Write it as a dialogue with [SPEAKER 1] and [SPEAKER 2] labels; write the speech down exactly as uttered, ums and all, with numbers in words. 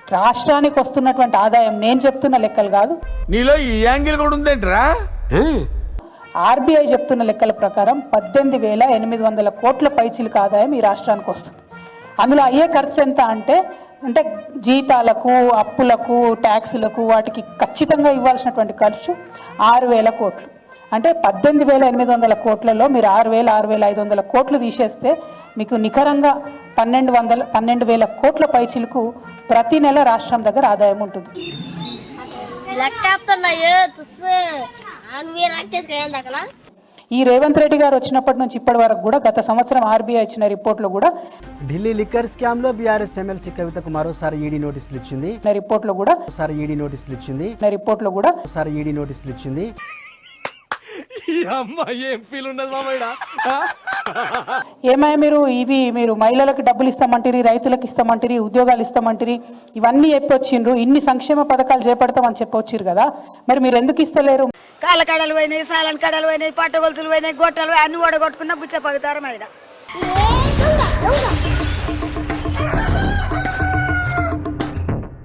[SPEAKER 1] రాష్ట్రానికి వస్తున్నటువంటి ఆదాయం నేను చెప్తున్న లెక్కలు కాదు,
[SPEAKER 2] నీలో ఈ యాంగిల్ కూడా ఉందేంట్రా?
[SPEAKER 1] ఆర్బీఐ చెప్తున్న లెక్కల ప్రకారం పద్దెనిమిది వేల ఎనిమిది వందల కోట్ల పైచిలకు ఆదాయం ఈ రాష్ట్రానికి వస్తుంది. అందులో అయ్యే ఖర్చు ఎంత అంటే అంటే జీతాలకు, అప్పులకు, ట్యాక్సులకు, వాటికి ఖచ్చితంగా ఇవ్వాల్సినటువంటి ఖర్చు ఆరు వేల కోట్లు. అంటే పద్దెనిమిది వేల ఎనిమిది వందల కోట్లలో మీరు ఆరు వేల ఆరు వేల ఐదు వందల కోట్లు తీసేస్తే మీకు నికరంగా పన్నెండు వందల పన్నెండు వేల కోట్ల పైచిలకు ప్రతి నెల రాష్ట్రం దగ్గర ఆదాయం ఉంటుంది. ఈ రేవంత్ రెడ్డి గారు వచ్చినప్పటి నుంచి ఇప్పటి వరకు కూడా గత సంవత్సరం ఆర్బీఐ ఇచ్చిన రిపోర్ట్లో కూడా
[SPEAKER 3] ఢిల్లీ లిక్కర్ స్కామ్ లో బీఆర్ఎస్ ఎమ్మెల్సీ కవితకు మరోసారి ఈడీ నోటీసులు ఇచ్చింది.
[SPEAKER 1] రిపోర్ట్లో కూడా
[SPEAKER 3] ఒకసారి ఈడీ నోటీసులు ఇచ్చింది.
[SPEAKER 1] రిపోర్ట్లో కూడా
[SPEAKER 3] ఒకసారి ఈడీ నోటీసులు ఇచ్చింది.
[SPEAKER 1] ఏమయ్య మీరు ఇవి మీరు మహిళలకు డబ్బులు ఇస్తామంటారు, రైతులకు ఇస్తామంటారు, ఉద్యోగాలు ఇస్తామంటారు, ఇవన్నీ చెప్పొచ్చిండ్రు, ఇన్ని సంక్షేమ పథకాలు చేపడతామని చెప్పొచ్చిరు కదా, మరి మీరు ఎందుకు ఇస్తలేరు?
[SPEAKER 4] కాళ్ళ కడలు పోయినాయి, సాలన్ కడలు పోయినాయి, పట్టగొలుతులు పోయినాయి, గొట్టలు అన్ని ఓడగొట్టుకున్న బుచ్చ పగుతారం అయినా